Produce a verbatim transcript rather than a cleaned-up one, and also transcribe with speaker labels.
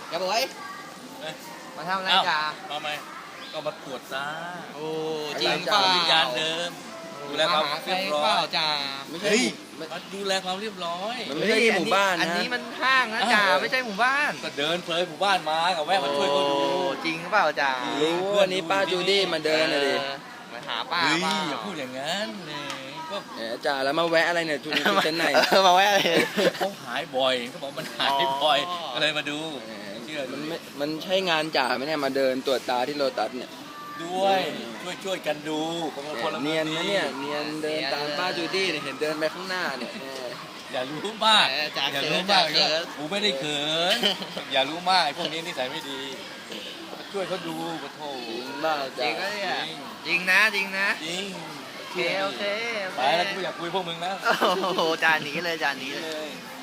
Speaker 1: อย่าบ่อย
Speaker 2: เอ้ย
Speaker 1: มาทำอะไร
Speaker 2: เอ้า
Speaker 1: จ่า
Speaker 2: มาไหมก็มาตรวจตา
Speaker 1: โอ้จริงเปล่า
Speaker 2: วิญญาณเดิม ดูแลความ
Speaker 1: หใค
Speaker 2: เรียบร้อย
Speaker 1: เปล่าจ่า
Speaker 3: ไม่ใช่
Speaker 2: เฮ้ย
Speaker 3: ไม่
Speaker 2: มาดูแลความเรียบร้อย
Speaker 3: มันไม่ใช่ที่หมู่บ้าน
Speaker 1: อัน
Speaker 3: นะ
Speaker 1: นี้มันห้างนะจ่าไม่ใช่หมู่บ้าน
Speaker 2: ก็เดินเพลยหมู่บ้านมากับแวะมาช่วยเขาดู
Speaker 1: โอ้จริงเปล่าจ่า
Speaker 3: รู้วันนี้ป้าจูดี้มาเดินเลยดิ
Speaker 1: ออมาหาป้า
Speaker 2: เฮ้ย
Speaker 1: เปล่า
Speaker 2: อย่าพูดอย่างนั้นเลยก็
Speaker 3: แหมจ่าแล้วมาแวะอะไรเนี่ยทุนทุนเส้นไหน
Speaker 1: เออมาแวะเลย
Speaker 2: เขาหายบ่อยเขาบอกมันหายบ่อย
Speaker 1: อ๋อ
Speaker 2: ก็เลยมาดูเชื่อ
Speaker 3: มันไม่มันใช่งานจ่าไหมเนี่ยมาเดินตรวจตาที่โลตัสเนี่ย
Speaker 2: ด้วยช่วยช่วยกันดูคนละคนละ
Speaker 3: เนียนนะเนี่ยเนียนเดินตามป้าจูดี้เนี่ยเห็นเดินไปข้างหน้าเนี่ยแหม
Speaker 2: อย่ารู้มาก
Speaker 1: เออจ่า
Speaker 2: อย่า
Speaker 1: เขิ
Speaker 2: รู้
Speaker 1: น
Speaker 2: มา
Speaker 1: จ่าก เขิน
Speaker 2: กูไม่ได้เขินอย่ารู้มากไอ้พวกนี้นิสัยไม่ดีช่วยเขาดูปะโถ
Speaker 3: จริงบ้า
Speaker 1: จริ
Speaker 3: จ่าง
Speaker 1: ก็เนี่ยจริงนะจริงนะ
Speaker 2: จริง
Speaker 1: โอเคโอเคโอเค
Speaker 2: ไปแล้วกูอยากคุยพวกมึงแล้ว
Speaker 1: โอ้โหจานหนีเลยจานหนีเลย
Speaker 2: เลย